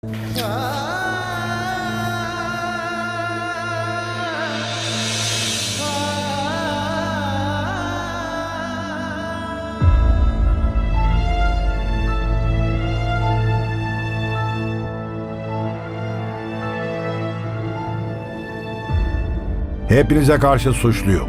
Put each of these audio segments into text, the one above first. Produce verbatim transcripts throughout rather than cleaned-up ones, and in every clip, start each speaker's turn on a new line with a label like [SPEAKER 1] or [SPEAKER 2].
[SPEAKER 1] Hepinize karşı suçluyum.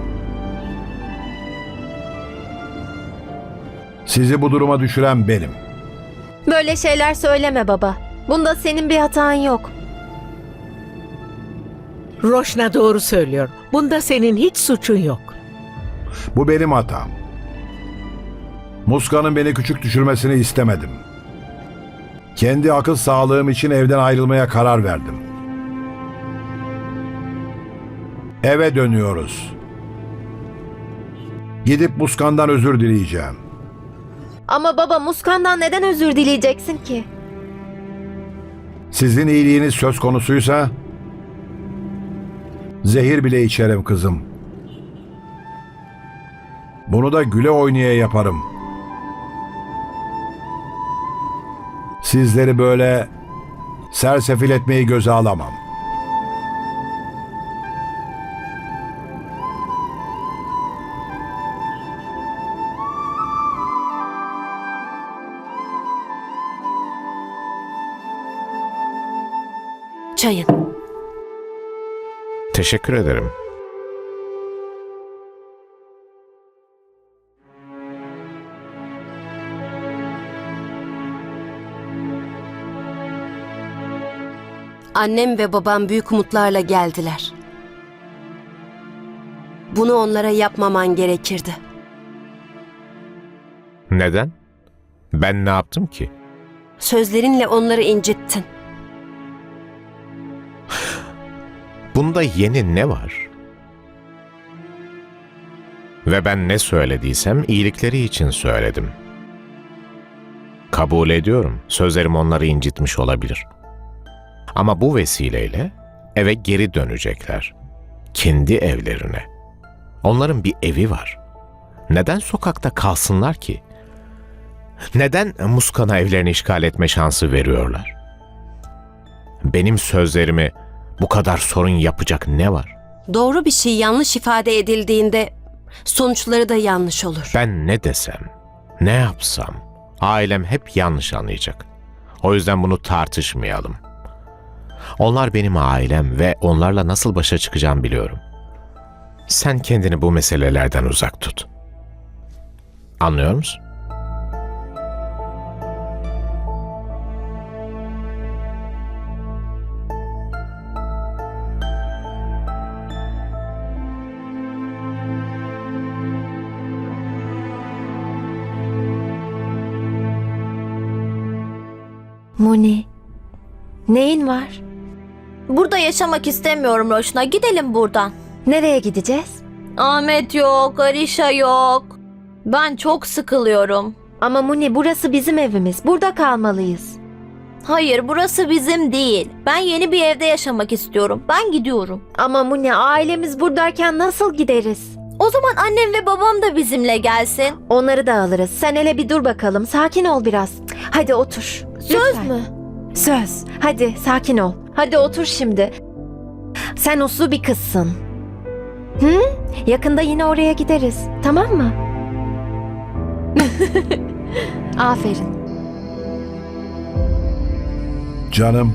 [SPEAKER 1] Sizi bu duruma düşüren benim.
[SPEAKER 2] Böyle şeyler söyleme baba. Bunda senin bir hatan yok.
[SPEAKER 3] Roşna doğru söylüyor. Bunda senin hiç suçun yok.
[SPEAKER 1] Bu benim hatam. Muska'nın beni küçük düşürmesini istemedim. Kendi akıl sağlığım için evden ayrılmaya karar verdim. Eve dönüyoruz. Gidip Muskan'dan özür dileyeceğim.
[SPEAKER 2] Ama baba, Muskan'dan neden özür dileyeceksin ki?
[SPEAKER 1] Sizin iyiliğiniz söz konusuysa zehir bile içerim kızım. Bunu da güle oynaya yaparım. Sizleri böyle sersefil etmeyi göze alamam.
[SPEAKER 4] Çayın.
[SPEAKER 5] Teşekkür ederim.
[SPEAKER 4] Annem ve babam büyük umutlarla geldiler. Bunu onlara yapmaman gerekirdi.
[SPEAKER 5] Neden? Ben ne yaptım ki?
[SPEAKER 4] Sözlerinle onları incittin.
[SPEAKER 5] Bunda yeni ne var? Ve ben ne söylediysem iyilikleri için söyledim. Kabul ediyorum. Sözlerim onları incitmiş olabilir. Ama bu vesileyle eve geri dönecekler. Kendi evlerine. Onların bir evi var. Neden sokakta kalsınlar ki? Neden Muskan'a evlerini işgal etme şansı veriyorlar? Benim sözlerimi bu kadar sorun yapacak ne var?
[SPEAKER 4] Doğru bir şey yanlış ifade edildiğinde sonuçları da yanlış olur.
[SPEAKER 5] Ben ne desem, ne yapsam ailem hep yanlış anlayacak. O yüzden bunu tartışmayalım. Onlar benim ailem ve onlarla nasıl başa çıkacağım biliyorum. Sen kendini bu meselelerden uzak tut. Anlıyor musun?
[SPEAKER 2] Muni, neyin var?
[SPEAKER 6] Burada yaşamak istemiyorum Roşna. Gidelim buradan.
[SPEAKER 2] Nereye gideceğiz?
[SPEAKER 6] Ahmet yok, Arişa yok. Ben çok sıkılıyorum.
[SPEAKER 2] Ama Muni, burası bizim evimiz. Burada kalmalıyız.
[SPEAKER 6] Hayır, burası bizim değil. Ben yeni bir evde yaşamak istiyorum. Ben gidiyorum.
[SPEAKER 2] Ama Muni, ailemiz buradayken nasıl gideriz?
[SPEAKER 6] O zaman annem ve babam da bizimle gelsin.
[SPEAKER 2] Onları da alırız. Sen hele bir dur bakalım. Sakin ol biraz. Hadi otur.
[SPEAKER 6] Söz
[SPEAKER 2] Lütfen.
[SPEAKER 6] mü?
[SPEAKER 2] Söz. Hadi sakin ol. Hadi otur şimdi. Sen uslu bir kızsın. Hı? Yakında yine oraya gideriz. Tamam mı? Aferin.
[SPEAKER 1] Canım,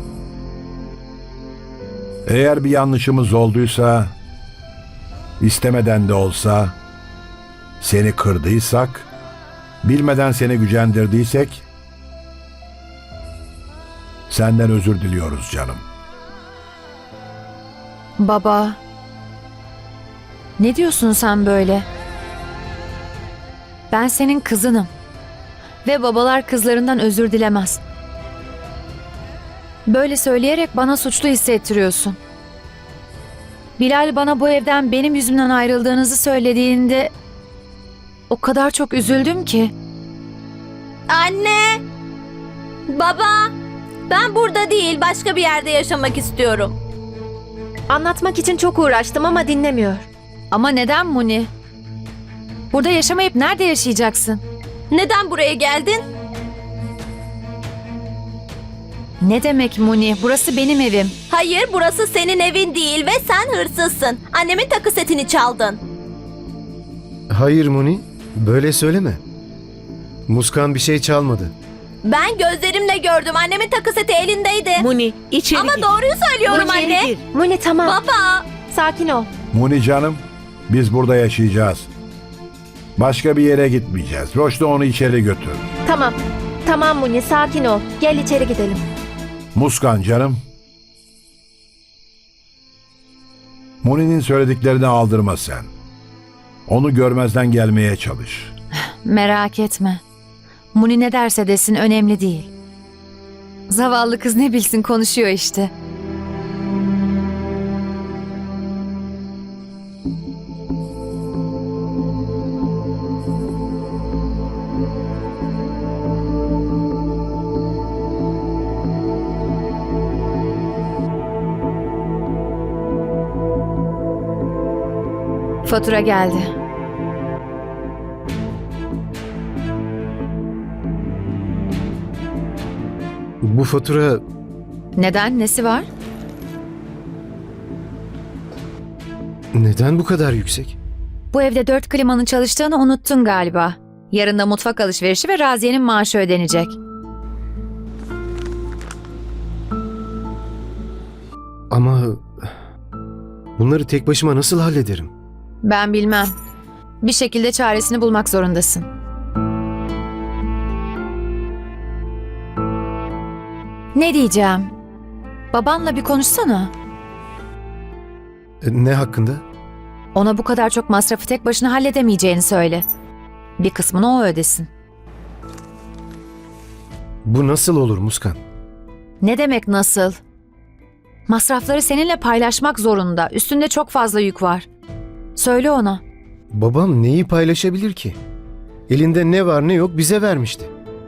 [SPEAKER 1] eğer bir yanlışımız olduysa, istemeden de olsa, seni kırdıysak, bilmeden seni gücendirdiysek, senden özür diliyoruz canım.
[SPEAKER 7] Baba, ne diyorsun sen böyle? Ben senin kızınım ve babalar kızlarından özür dilemez. Böyle söyleyerek bana suçlu hissettiriyorsun. Bilal bana bu evden benim yüzümden ayrıldığınızı söylediğinde o kadar çok üzüldüm ki.
[SPEAKER 6] Anne! Baba! Ben burada değil, başka bir yerde yaşamak istiyorum.
[SPEAKER 2] Anlatmak için çok uğraştım ama dinlemiyor.
[SPEAKER 7] Ama neden Muni? Burada yaşamayıp nerede yaşayacaksın?
[SPEAKER 6] Neden buraya geldin?
[SPEAKER 7] Ne demek Muni? Burası benim evim.
[SPEAKER 6] Hayır, burası senin evin değil ve sen hırsızsın. Annemin takı setini çaldın.
[SPEAKER 8] Hayır Muni, böyle söyleme. Muskan bir şey çalmadı.
[SPEAKER 6] Ben gözlerimle gördüm. Annemin takı seti elindeydi.
[SPEAKER 3] Muni içeri
[SPEAKER 6] Ama
[SPEAKER 3] gir.
[SPEAKER 6] doğruyu söylüyorum
[SPEAKER 3] İçeri
[SPEAKER 6] anne.
[SPEAKER 3] gir.
[SPEAKER 2] Muni tamam.
[SPEAKER 6] Baba.
[SPEAKER 2] Sakin ol.
[SPEAKER 1] Muni canım, biz burada yaşayacağız. Başka bir yere gitmeyeceğiz. Roşni onu içeri götür.
[SPEAKER 2] Tamam. Tamam Muni sakin ol. Gel içeri gidelim.
[SPEAKER 1] Muskan canım. Muni'nin söylediklerini aldırma sen. Onu görmezden gelmeye çalış.
[SPEAKER 7] Merak etme. Muni ne derse desin önemli değil. Zavallı kız ne bilsin konuşuyor işte. Fatura geldi.
[SPEAKER 8] Bu fatura
[SPEAKER 7] Neden? Nesi var?
[SPEAKER 8] neden bu kadar yüksek?
[SPEAKER 7] Bu evde dört klimanın çalıştığını unuttun galiba. Yarın da mutfak alışverişi ve Raziye'nin maaşı ödenecek.
[SPEAKER 8] Ama bunları tek başıma nasıl hallederim?
[SPEAKER 7] Ben bilmem. Bir şekilde çaresini bulmak zorundasın. Ne diyeceğim? Babanla bir konuşsana.
[SPEAKER 8] E, Ne hakkında?
[SPEAKER 7] Ona bu kadar çok masrafı tek başına halledemeyeceğini söyle. Bir kısmını o ödesin.
[SPEAKER 8] Bu nasıl olur Muskan?
[SPEAKER 7] Ne demek nasıl? Masrafları seninle paylaşmak zorunda. Üstünde çok fazla yük var. Söyle ona.
[SPEAKER 8] Babam neyi paylaşabilir ki? Elinde ne var ne yok bize vermişti.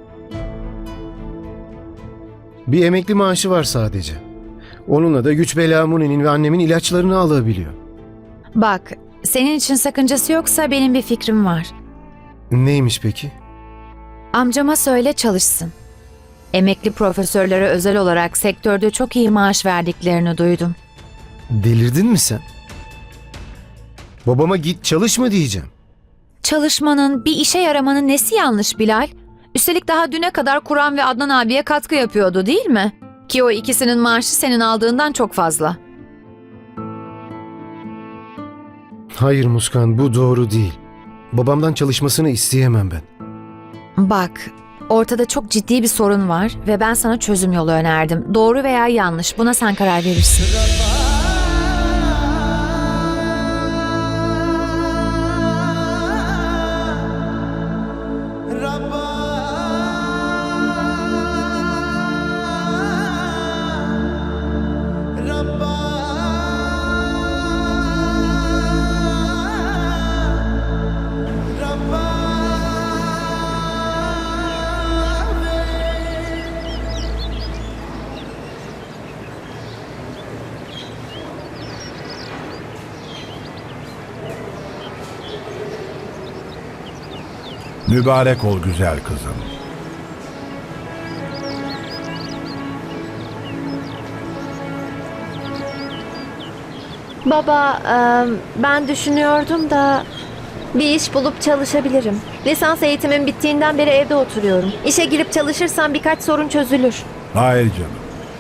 [SPEAKER 8] Bir emekli maaşı var sadece. Onunla da güç bela Muni'nin ve annemin ilaçlarını alabiliyor.
[SPEAKER 7] Bak, senin için sakıncası yoksa benim bir fikrim var.
[SPEAKER 8] Neymiş peki?
[SPEAKER 7] Amcama söyle çalışsın. Emekli profesörlere özel olarak sektörde çok iyi maaş verdiklerini duydum.
[SPEAKER 8] Delirdin mi sen? Babama git çalışma diyeceğim.
[SPEAKER 7] Çalışmanın, bir işe yaramanın nesi yanlış Bilal? Üstelik daha düne kadar Kur'an ve Adnan abiye katkı yapıyordu değil mi? Ki o ikisinin maaşı senin aldığından çok fazla.
[SPEAKER 8] Hayır Muskan, bu doğru değil. Babamdan çalışmasını isteyemem ben.
[SPEAKER 7] Bak, ortada çok ciddi bir sorun var ve ben sana çözüm yolu önerdim. Doğru veya yanlış, buna sen karar verirsin.
[SPEAKER 1] Mübarek ol güzel kızım.
[SPEAKER 2] Baba e, ben düşünüyordum da bir iş bulup çalışabilirim. Lisans eğitimim bittiğinden beri evde oturuyorum. İşe girip çalışırsam birkaç sorun çözülür.
[SPEAKER 1] Hayır canım.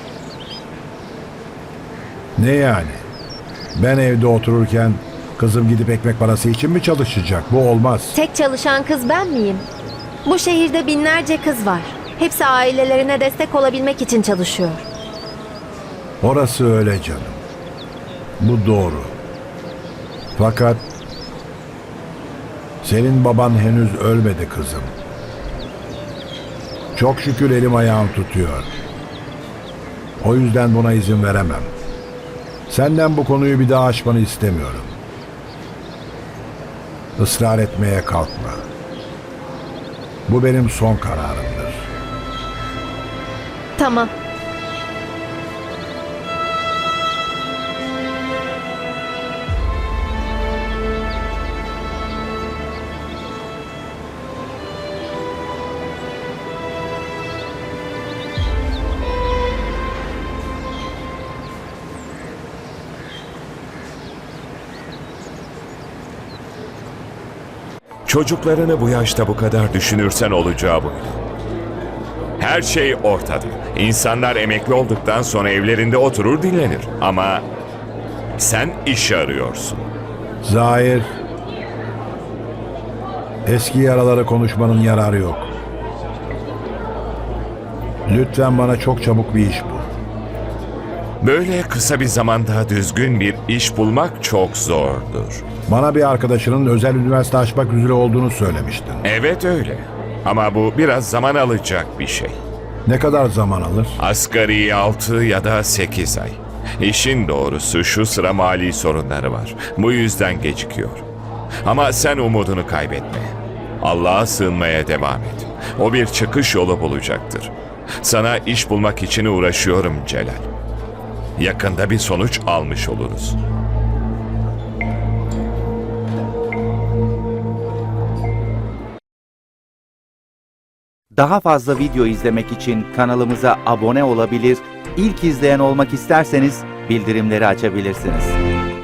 [SPEAKER 1] Ne yani? Ben evde otururken kızım gidip ekmek parası için mi çalışacak? Bu olmaz.
[SPEAKER 2] Tek çalışan kız ben miyim? Bu şehirde binlerce kız var. Hepsi ailelerine destek olabilmek için çalışıyor.
[SPEAKER 1] Orası öyle canım. Bu doğru. Fakat senin baban henüz ölmedi kızım. Çok şükür elim ayağım tutuyor. O yüzden buna izin veremem. Senden bu konuyu bir daha açmanı istemiyorum. Israr etmeye kalkma. Bu benim son kararımdır.
[SPEAKER 2] Tamam.
[SPEAKER 9] Çocuklarını bu yaşta bu kadar düşünürsen olacağı buydu. Her şey ortada. İnsanlar emekli olduktan sonra evlerinde oturur dinlenir. Ama sen iş arıyorsun.
[SPEAKER 1] Zahir, eski yaraları konuşmanın yararı yok. Lütfen bana çok çabuk bir iş bul.
[SPEAKER 9] Böyle kısa bir zamanda düzgün bir iş bulmak çok zordur.
[SPEAKER 1] Bana bir arkadaşının özel üniversite açmak üzere olduğunu söylemiştin.
[SPEAKER 9] Evet öyle. Ama bu biraz zaman alacak bir şey.
[SPEAKER 1] Ne kadar zaman alır?
[SPEAKER 9] Asgari altı ya da sekiz ay. İşin doğrusu şu sıra mali sorunları var. Bu yüzden gecikiyor. Ama sen umudunu kaybetme. Allah'a sığınmaya devam et. O bir çıkış yolu bulacaktır. Sana iş bulmak için uğraşıyorum Celal. Yakında bir sonuç almış oluruz.
[SPEAKER 10] Daha fazla video izlemek için kanalımıza abone olabilir, ilk izleyen olmak isterseniz bildirimleri açabilirsiniz.